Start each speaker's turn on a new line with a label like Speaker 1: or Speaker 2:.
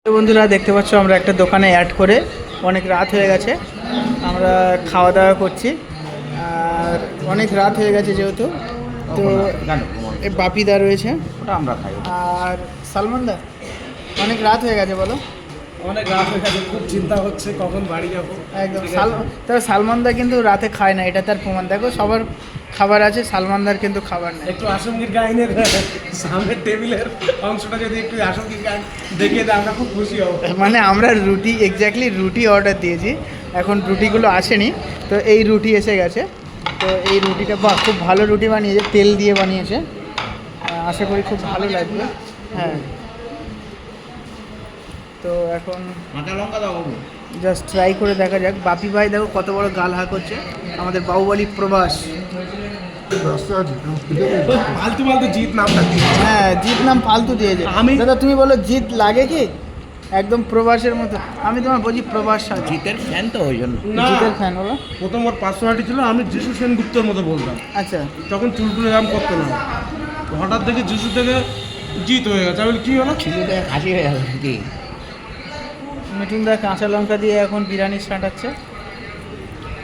Speaker 1: তো বন্ধুরা দেখতে পাচ্ছ আমরা একটা দোকানে অ্যাড করে অনেক রাত হয়ে গেছে, আমরা খাওয়া দাওয়া করছি। আর অনেক রাত হয়ে গেছে যেহেতু, তো বাপিদা রয়েছে,
Speaker 2: ওটা আমরা খাই।
Speaker 1: আর সালমানদা অনেক রাত হয়ে গেছে বলো।
Speaker 3: অনেক রাত হয়ে গেছে, খুব চিন্তা হচ্ছে কখন বাড়ি যাবো।
Speaker 1: একদম তবে সালমানদা কিন্তু রাতে খায় না, এটা তার প্রমাণ। দেখো সবার খাবার আছে, সালমানদার কিন্তু খাবার নেই।
Speaker 3: একটু আসমগীর গাইনের সামনের টেবিলের অংশটা যদি একটু আসমগীর গাইন দেখিয়ে দেয় আমরা খুব খুশি হব।
Speaker 1: মানে আমরা রুটি এক্স্যাক্টলি রুটি অর্ডার দিয়েছি, এখন রুটিগুলো আসেনি, তো এই রুটি এসে গেছে। তো এই রুটিটা বাহ, খুব ভালো রুটি বানিয়েছে, তেল দিয়ে বানিয়েছে, আশা করি খুব ভালো লাগবে। হ্যাঁ, তো এখন
Speaker 2: কাঁচা লঙ্কা দাও বাবু।
Speaker 1: জাস্ট ট্রাই করে দেখা যাক। বাপি ভাই দেখো কত বড় গাল হাঁ করছে, আমাদের বাহুবলী প্রবাস।
Speaker 3: ফালতু ফালতু জিত নামটা দিয়েছে।
Speaker 1: হ্যাঁ, জিৎ নাম ফালতু দিয়েছে। দাদা তুমি বলো জিৎ লাগে কি? একদম প্রবাসের মতো। আমি তোমার বলছি প্রবাস সাজি।
Speaker 2: জিতের ফ্যান তো ওই জন্য।
Speaker 3: না,
Speaker 1: জিতের ফ্যান বলো।
Speaker 3: প্রথম ওর পার্সোনালিটি ছিল আমি যিশু সেনগুপ্তর মতো বলতাম,
Speaker 1: আচ্ছা,
Speaker 3: তখন চুলটুলে নাম করতো না। হঠাৎ দেখে যিশু থেকে জিত হয়ে গেছে। আমি বলি, কি হলো?
Speaker 2: ছিল হাসি হয়ে গেল কি?
Speaker 1: মিঠুনদা কাঁচা লঙ্কা দিয়ে এখন বিরিয়ানি ছাঁটাচ্ছে।